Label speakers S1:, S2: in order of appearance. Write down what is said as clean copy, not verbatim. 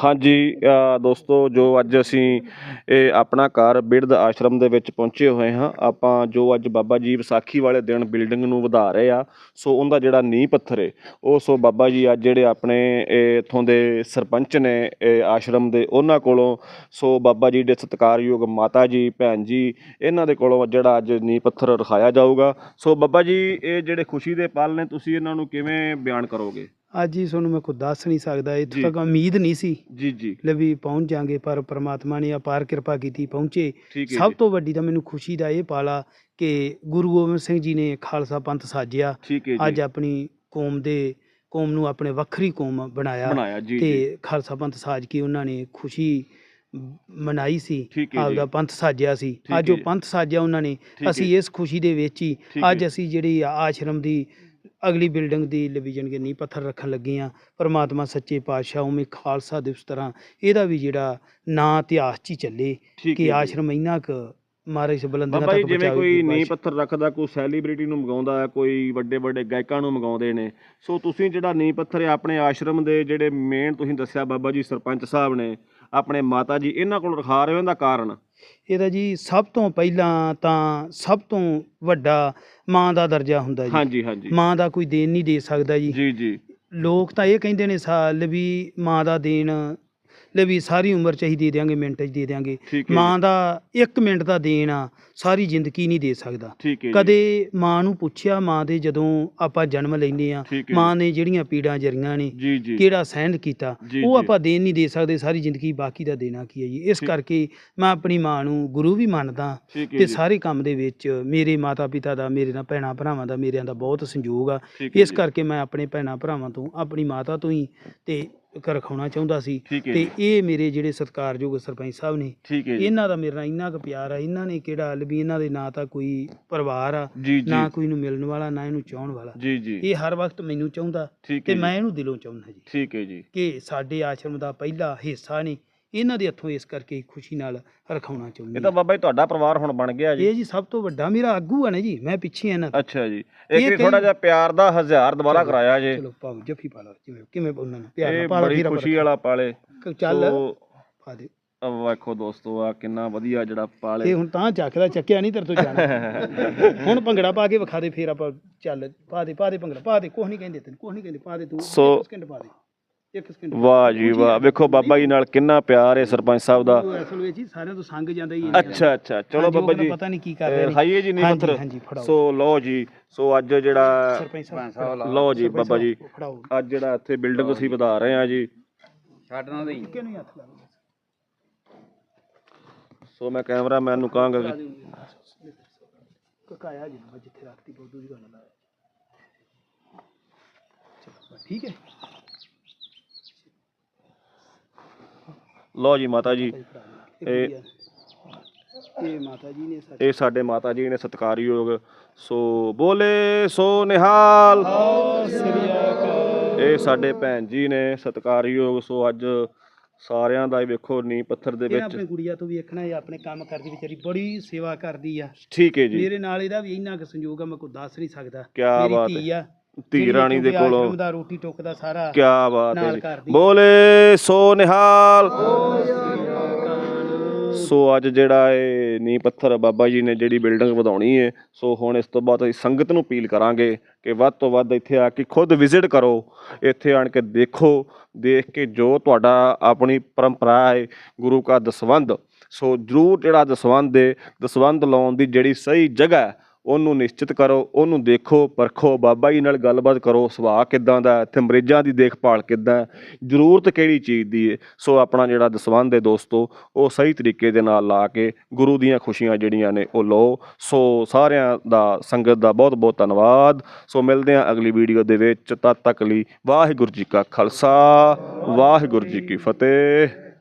S1: हाँ जी दोस्तों जो अज असी अपना घर बिरध आश्रम दे विच पहुंचे हुए हाँ आपां जो अज बाबा जी विसाखी वाले दिन बिल्डिंग नूं वधा रहे आ सो उनका जिहड़ा नींह पत्थर है वो सो बाबा जी अज जिहड़े अपने इत्थों दे सरपंच ने आश्रम दे उन्हां कोलों सो बाबा जी दे सत्कारयोग माता जी भैन जी इन्हां दे कोलों जिहड़ा अज नींह पत्थर रखाया जाऊगा। सो बाबा जी ये जिहड़े खुशी दे पल ने तुसीं इन्हां नूं किवें बयान करोगे?
S2: ਅੱਜ ਹੀ ਤੁਹਾਨੂੰ ਮੈਂ ਕੁਝ ਦੱਸ ਨਹੀਂ ਸਕਦਾ, ਇੱਥੋਂ
S1: जी
S2: ਤੱਕ ਉਮੀਦ ਨਹੀਂ ਸੀ
S1: जी जी
S2: ਲੈ ਵੀ ਪਹੁੰਚ ਜਾਾਂਗੇ, ਪਰ ਪ੍ਰਮਾਤਮਾ ਨੇ ਅਪਾਰ ਕਿਰਪਾ ਕੀਤੀ, ਪਹੁੰਚੇ।
S1: ठीक है
S2: ਸਭ
S1: जी
S2: ਤੋਂ ਵੱਡੀ ਤਾਂ ਮੈਨੂੰ ਖੁਸ਼ੀ ਦਾ ਇਹ ਪਾਲਾ ਕਿ ਗੁਰੂ ਗੋਬਿੰਦ ਸਿੰਘ ਜੀ ਨੇ ਖਾਲਸਾ ਪੰਥ ਸਾਜਿਆ,
S1: ठीक है
S2: ਅੱਜ
S1: जी
S2: ਆਪਣੀ ਕੌਮ ਨੂੰ ਆਪਣੇ ਵੱਖਰੀ ਕੌਮ ਬਣਾਇਆ
S1: बनाया जी जी
S2: ਤੇ ਖਾਲਸਾ ਪੰਥ ਸਾਜ ਕੇ ਉਹਨਾਂ ਨੇ ਖੁਸ਼ੀ ਮਨਾਈ ਸੀ,
S1: ठीक है जी
S2: ਆਪਦਾ ਪੰਥ ਸਾਜਿਆ ਸੀ।
S1: ठीक
S2: ਅੱਜ
S1: है
S2: ਉਹ ਪੰਥ ਸਾਜਿਆ ਉਹਨਾਂ ਨੇ,
S1: ठीक है
S2: ਅਸੀਂ ਇਸ ਖੁਸ਼ੀ ਦੇ ਵਿੱਚ ਹੀ
S1: ठीक है
S2: ਅੱਜ ਅਸੀਂ ਜਿਹੜੀ ਆਸ਼ਰਮ ਦੀ ਅਗਲੀ ਬਿਲਡਿੰਗ ਦੀ ਲਵੀਜਨ ਕੇ ਨੀਂਹ ਪੱਥਰ ਰੱਖਣ ਲੱਗੇ ਹਾਂ। ਪਰਮਾਤਮਾ ਸੱਚੇ ਪਾਤਸ਼ਾਹ ਉਵੇਂ ਖਾਲਸਾ ਦਿਵਸ ਤਰ੍ਹਾਂ ਇਹਦਾ ਵੀ ਜਿਹੜਾ ਨਾਂ ਇਤਿਹਾਸ 'ਚ ਹੀ ਚੱਲੇ
S1: ठीक
S2: ਕਿ
S1: है जी
S2: ਆਸ਼ਰਮ ਇੰਨਾ ਕੁ ਮਹਾਰਾਜ ਬੁਲੰਦੀਆਂ
S1: ਬਾਬਾ ਜੀ
S2: ਤੱਕ
S1: ਜਿਵੇਂ
S2: ਪਹੁੰਚਾਵੇ
S1: ਕੋਈ
S2: ਗੁਰੂ
S1: ਨੀਂਹ
S2: ਪਾਤਸ਼ਾਹ।
S1: ਪੱਥਰ ਰੱਖਦਾ, ਕੋਈ ਸੈਲੀਬ੍ਰਿਟੀ ਨੂੰ ਮੰਗਾਉਂਦਾ ਹੈ, ਕੋਈ ਵੱਡੇ ਵੱਡੇ ਗਾਇਕਾਂ ਨੂੰ ਮੰਗਾਉਂਦੇ ਨੇ, ਸੋ ਤੁਸੀਂ ਜਿਹੜਾ ਨੀਂਹ ਪੱਥਰ ਹੈ ਆਪਣੇ ਆਸ਼ਰਮ ਦੇ ਜਿਹੜੇ ਮੇਨ ਤੁਸੀਂ ਦੱਸਿਆ ਬਾਬਾ ਜੀ ਸਰਪੰਚ ਸਾਹਿਬ ਨੇ ਆਪਣੇ ਮਾਤਾ ਜੀ ਇਹਨਾਂ ਕੋਲ ਰਖਾ ਰਹੇ ਹੋ, ਇਹਦਾ ਕਾਰਨ?
S2: ਇਹਦਾ ਜੀ ਸਭ ਤੋਂ ਪਹਿਲਾਂ ਤਾਂ ਸਭ ਤੋਂ ਵੱਡਾ ਮਾਂ ਦਾ ਦਰਜਾ ਹੁੰਦਾ ਜੀ।
S1: ਹਾਂਜੀ ਹਾਂਜੀ
S2: ਮਾਂ ਦਾ ਕੋਈ ਦੇਣ ਨਹੀਂ ਦੇ ਸਕਦਾ ਜੀ।
S1: ਜੀ ਜੀ
S2: ਲੋਕ ਤਾਂ ਇਹ ਕਹਿੰਦੇ ਨੇ ਸਾਲ ਵੀ ਮਾਂ ਦਾ ਦੇਣ ਲੈ ਵੀ ਸਾਰੀ ਉਮਰ 'ਚ ਅਸੀਂ ਦੇ ਦਿਆਂਗੇ, ਮਿੰਟ 'ਚ ਦੇ ਦਿਆਂਗੇ।
S1: ਠੀਕ ਹੈ
S2: ਮਾਂ ਦਾ 1 ਮਿੰਟ ਦਾ ਦੇਣ ਆ ਸਾਰੀ ਜ਼ਿੰਦਗੀ ਨਹੀਂ ਦੇ ਸਕਦਾ।
S1: ਠੀਕ ਹੈ ਜੀ
S2: ਕਦੇ ਮਾਂ ਨੂੰ ਪੁੱਛਿਆ, ਮਾਂ ਦੇ ਜਦੋਂ ਆਪਾਂ ਜਨਮ ਲੈਂਦੇ ਆ,
S1: ਠੀਕ ਹੈ
S2: ਮਾਂ ਨੇ ਜਿਹੜੀਆਂ ਪੀੜਾਂ ਜਰੀਆਂ ਨੇ,
S1: ਜੀ ਜੀ
S2: ਕਿਹੜਾ ਸਹਿਣ ਕੀਤਾ,
S1: ਜੀ
S2: ਉਹ
S1: ਜੀ
S2: ਆਪਾਂ ਦੇਣ ਨਹੀਂ ਦੇ ਸਕਦੇ ਸਾਰੀ ਜ਼ਿੰਦਗੀ, ਬਾਕੀ ਦਾ ਦੇਣਾ ਕੀ ਹੈ ਜੀ। ਇਸ
S1: ਠੀਕ
S2: ਕਰਕੇ ਮੈਂ ਆਪਣੀ ਮਾਂ ਨੂੰ ਗੁਰੂ ਵੀ ਮੰਨਦਾ
S1: ਠੀਕ ਹੈ
S2: ਤੇ
S1: ਜੀ
S2: ਸਾਰੇ ਕੰਮ ਦੇ ਵਿੱਚ ਮੇਰੇ ਮਾਤਾ ਪਿਤਾ ਦਾ, ਮੇਰੇ ਨਾਲ ਭੈਣਾਂ ਭਰਾਵਾਂ ਦਾ, ਮੇਰਿਆਂ ਦਾ ਬਹੁਤ ਸੰਯੋਗ ਆ।
S1: ਠੀਕ ਹੈ
S2: ਇਸ
S1: ਜੀ
S2: ਕਰਕੇ ਮੈਂ ਆਪਣੇ ਭੈਣਾਂ ਭਰਾਵਾਂ ਤੋਂ, ਆਪਣੀ ਮਾਤਾ ਤੋਂ ਹੀ ਤੇ ਰਖਾਉਣਾ ਚਾਹੁੰਦਾ ਸੀ।
S1: ਠੀਕ ਹੈ
S2: ਤੇ
S1: ਜੀ
S2: ਇਹ ਮੇਰੇ ਜਿਹੜੇ ਸਤਿਕਾਰਯੋਗ ਸਰਪੰਚ ਸਾਹਿਬ ਨੇ,
S1: ਠੀਕ ਹੈ ਜੀ
S2: ਇਹਨਾਂ ਦਾ ਮੇਰੇ ਨਾਲ ਇੰਨਾ ਕੁ ਪਿਆਰ ਆ। ਇਹਨਾਂ ਨੇ ਕਿਹੜਾ ਵੀ ਇਹਨਾਂ ਦੇ ਨਾ ਤਾਂ ਕੋਈ ਪਰਿਵਾਰ ਆ,
S1: ਜੀ ਜੀ
S2: ਨਾ ਕੋਈ ਨੂੰ ਮਿਲਣ ਵਾਲਾ, ਨਾ ਇਹਨੂੰ ਚਾਹਣ ਵਾਲਾ।
S1: ਜੀ ਜੀ
S2: ਇਹ ਹਰ ਵਕਤ ਮੈਨੂੰ ਚਾਹੁੰਦਾ
S1: ਠੀਕ
S2: ਤੇ
S1: ਹੈ
S2: ਮੈਂ
S1: ਜੀ
S2: ਇਹਨੂੰ ਦਿਲੋਂ ਚਾਹੁੰਦਾ ਜੀ
S1: ਠੀਕ ਹੈ ਜੀ
S2: ਕਿ ਸਾਡੇ ਆਸ਼ਰਮ ਦਾ ਪਹਿਲਾ ਹਿੱਸਾ ਨੇ ਇਹਨਾਂ ਦੇ ਹੱਥੋਂ, ਇਸ ਕਰਕੇ ਖੁਸ਼ੀ ਨਾਲ ਰਖਾਉਣਾ
S1: ਇਹ
S2: ਚਾਹੁੰਦੇ
S1: ਤਾਂ ਬਾਬਾ ਜੀ ਤੁਹਾਡਾ ਪਰਿਵਾਰ ਹੁਣ ਬਣ ਗਿਆ ਜੀ।
S2: ਇਹ ਜੀ ਸਭ ਤੋਂ ਵੱਡਾ ਮੇਰਾ ਆਗੂ ਆ ਨਾ ਜੀ, ਮੈਂ ਪਿੱਛੇ ਆ ਇਹਨਾਂ ਤੋਂ।
S1: ਅੱਛਾ ਜੀ
S2: ਇਹ
S1: ਇੱਕ
S2: ਕਈ-
S1: ਥੋੜਾ ਜਿਹਾ ਪਿਆਰ ਦਾ 1000 ਦੁਬਾਰਾ ਕਰਾਇਆ ਜੇ,
S2: ਚਲੋ ਪਾਓ ਜੱਫੀ ਪਾ ਲਓ, ਜਿਵੇਂ ਕਿਵੇਂ ਉਹਨਾਂ ਨੂੰ ਪਿਆਰ
S1: ਇਹ
S2: ਨਾਲ ਪਾ ਲਓ,
S1: ਬੜੀ
S2: ਫਿਰ
S1: ਖੁਸ਼ੀ ਵਾਲਾ ਪਾਲੇ।
S2: ਚੱਲ
S1: ਸੋ
S2: ਪਾ ਦੇ।
S1: ਵੇਖੋ ਦੋਸਤੋ ਆ ਕਿੰਨਾ ਵਧੀਆ ਜਿਹੜਾ ਪਾਲੇ।
S2: ਇਹ ਹੁਣ ਤਾਂ ਚੱਕਦਾ, ਚੱਕਿਆ ਨਹੀਂ ਤੇਰੇ ਤੋਂ ਜਾਣਾ। ਹੁਣ ਭੰਗੜਾ ਪਾ ਕੇ ਵਿਖਾ ਦੇ, ਫਿਰ ਆਪਾਂ ਚੱਲ ਪਾ ਦੇ ਭੰਗੜਾ ਪਾ ਦੇ। ਕੁਛ ਨਹੀਂ ਕਹਿੰਦੇ ਤੈਨੂੰ, ਕੁਛ ਨਹੀਂ ਕਹਿੰਦੇ, ਪਾ ਦੇ ਤੂੰ।
S1: ਸੋ
S2: 1 ਸਕਿੰਟ ਪਾ ਦੇ, 1 ਸਕਿੰਟ।
S1: ਵਾਹ ਜੀ ਵਾਹ, ਵੇਖੋ ਬਾਬਾ ਜੀ ਨਾਲ ਕਿੰਨਾ ਪਿਆਰ ਹੈ ਸਰਪੰਚ ਸਾਹਿਬ ਦਾ।
S2: ਉਹ ਅਸਲ ਵਿੱਚ ਹੀ ਸਾਰਿਆਂ ਤੋਂ ਸੰਗ ਜਾਂਦਾ ਹੀ
S1: ਅੱਛਾ ਅੱਛਾ ਚਲੋ ਬਾਬਾ ਜੀ
S2: ਪਤਾ ਨਹੀਂ ਕੀ ਕਰ ਰਹੇ ਨੇ।
S1: ਖਾਈਏ ਜੀ ਨੀ
S2: ਹਾਂਜੀ,
S1: ਪੱਥਰ।
S2: ਹਾਂਜੀ, ਫੜਾਓ।
S1: ਸੋ ਲਓ ਜੀ, ਸੋ ਅੱਜ ਜਿਹੜਾ
S2: ਸਰਪੰਚ ਸਾਹਿਬ
S1: ਲਓ ਜੀ ਬਾਬਾ ਜੀ,
S2: ਫੜਾਓ।
S1: ਅੱਜ ਜਿਹੜਾ ਇੱਥੇ ਬਿਲਡਿੰਗ ਅਸੀਂ ਵਧਾ ਰਹੇ ਹਾਂ ਜੀ।
S2: ਛੱਡਣਾ ਨਹੀਂ, ਕਿਹਨੂੰ ਹੀ ਹੱਥ ਲਾ ਲਓ।
S1: ਸੋ ਮੈਂ ਕੈਮਰਾਮੈਨ ਨੂੰ ਕਹਾਂਗਾ ਕਿ
S2: ਕਕਾਇਆ ਜੀ ਮੈਂ ਜਿੱਥੇ ਰੱਖਤੀ ਬਹੁਤ ਦੂਜੀ ਗੱਲ ਲਾਇਆ। ਚਲੋ ਠੀਕ ਹੈ।
S1: ਲਓ ਜੀ ਮਾਤਾ ਜੀ, ਇਹ
S2: ਇਹ ਮਾਤਾ ਜੀ ਨੇ ਸਾਡੇ
S1: ਇਹ ਸਾਡੇ ਮਾਤਾ ਜੀ ਨੇ ਸਤਿਕਾਰਯੋਗ। ਸੋ ਬੋਲੇ ਸੋ ਨਿਹਾਲ।
S2: ਸ੍ਰੀ ਅਕਾਲ।
S1: ਇਹ ਸਾਡੇ ਭੈਣ ਜੀ ਨੇ ਸਤਿਕਾਰਯੋਗ। ਸੋ ਅੱਜ ਸਾਰਿਆਂ ਦਾ ਹੀ ਵੇਖੋ ਨੀਂਹ ਪੱਥਰ ਦੇ
S2: ਇਹ
S1: ਵਿੱਚ।
S2: ਆਪਣੀ ਗੁੜੀਆ ਤੋਂ ਵੀ ਵੇਖਣਾ, ਇਹ ਆਪਣੇ ਕੰਮ ਕਰਦੀ ਵਿਚਾਰੀ, ਬੜੀ ਸੇਵਾ ਕਰਦੀ ਆ।
S1: ਠੀਕ ਹੈ ਜੀ
S2: ਮੇਰੇ ਨਾਲ ਇਹਦਾ ਵੀ ਇੰਨਾ ਕੁ ਸੰਯੋਗ ਆ, ਮੈਂ ਕੋਈ ਦੱਸ ਨਹੀਂ ਸਕਦਾ।
S1: ਕਿਆ
S2: ਮੇਰੀ
S1: ਬਾਤ
S2: ਧੀ ਆ,
S1: ਧੀ ਰਾਣੀ ਦੇ ਕੋਲੋਂ
S2: ਆਸ਼ਰਮ ਦਾ ਰੋਟੀ ਟੁੱਕ ਦਾ ਸਾਰਾ
S1: ਕਿਆ ਬਾਤ ਹੈ
S2: ਨਾਲ
S1: ਜੀ।
S2: ਕਰਦੀ।
S1: ਬੋਲੇ ਸੋ ਨਿਹਾਲ। ਸੋ ਅੱਜ ਜਿਹੜਾ ਇਹ ਨੀਂਹ ਪੱਥਰ ਬਾਬਾ ਜੀ ਨੇ ਜਿਹੜੀ ਬਿਲਡਿੰਗ ਵਧਾਉਣੀ ਹੈ, ਸੋ ਹੁਣ ਇਸ ਤੋਂ ਬਾਅਦ ਅਸੀਂ ਸੰਗਤ ਨੂੰ ਅਪੀਲ ਕਰਾਂਗੇ ਕਿ ਵੱਧ ਤੋਂ ਵੱਧ ਇੱਥੇ ਆ ਕੇ ਖੁਦ ਵਿਜ਼ਿਟ ਕਰੋ, ਇੱਥੇ ਆਣ ਕੇ ਦੇਖੋ, ਦੇਖ ਕੇ ਜੋ ਤੁਹਾਡਾ ਆਪਣੀ ਪਰੰਪਰਾ ਹੈ ਗੁਰੂ ਕਾ ਦਸਵੰਧ, ਸੋ ਜ਼ਰੂਰ ਜਿਹੜਾ ਦਸਵੰਧ ਲਾਉਣ ਦੀ ਜਿਹੜੀ ਸਹੀ ਜਗ੍ਹਾ ਹੈ ਉਹਨੂੰ ਨਿਸ਼ਚਿਤ ਕਰੋ, ਉਹਨੂੰ ਦੇਖੋ, ਪਰਖੋ, ਬਾਬਾ ਜੀ ਨਾਲ ਗੱਲਬਾਤ ਕਰੋ, ਸੁਭਾਅ ਕਿੱਦਾਂ ਦਾ, ਇੱਥੇ ਮਰੀਜ਼ਾਂ ਦੀ ਦੇਖਭਾਲ ਕਿੱਦਾਂ, ਜ਼ਰੂਰਤ ਕਿਹੜੀ ਚੀਜ਼ ਦੀ ਹੈ। ਸੋ ਆਪਣਾ ਜਿਹੜਾ ਦਸਵੰਧ ਹੈ ਦੋਸਤੋ, ਉਹ ਸਹੀ ਤਰੀਕੇ ਦੇ ਨਾਲ ਲਾ ਕੇ ਗੁਰੂ ਦੀਆਂ ਖੁਸ਼ੀਆਂ ਜਿਹੜੀਆਂ ਨੇ ਉਹ ਲਓ। ਸੋ ਸਾਰਿਆਂ ਦਾ, ਸੰਗਤ ਦਾ ਬਹੁਤ ਬਹੁਤ ਧੰਨਵਾਦ। ਸੋ ਮਿਲਦੇ ਹਾਂ ਅਗਲੀ ਵੀਡੀਓ ਦੇ ਵਿੱਚ, ਤਦ ਤੱਕ ਲਈ ਵਾਹਿਗੁਰੂ ਜੀ ਕਾ ਖਾਲਸਾ, ਵਾਹਿਗੁਰੂ ਜੀ ਕੀ ਫਤਿਹ।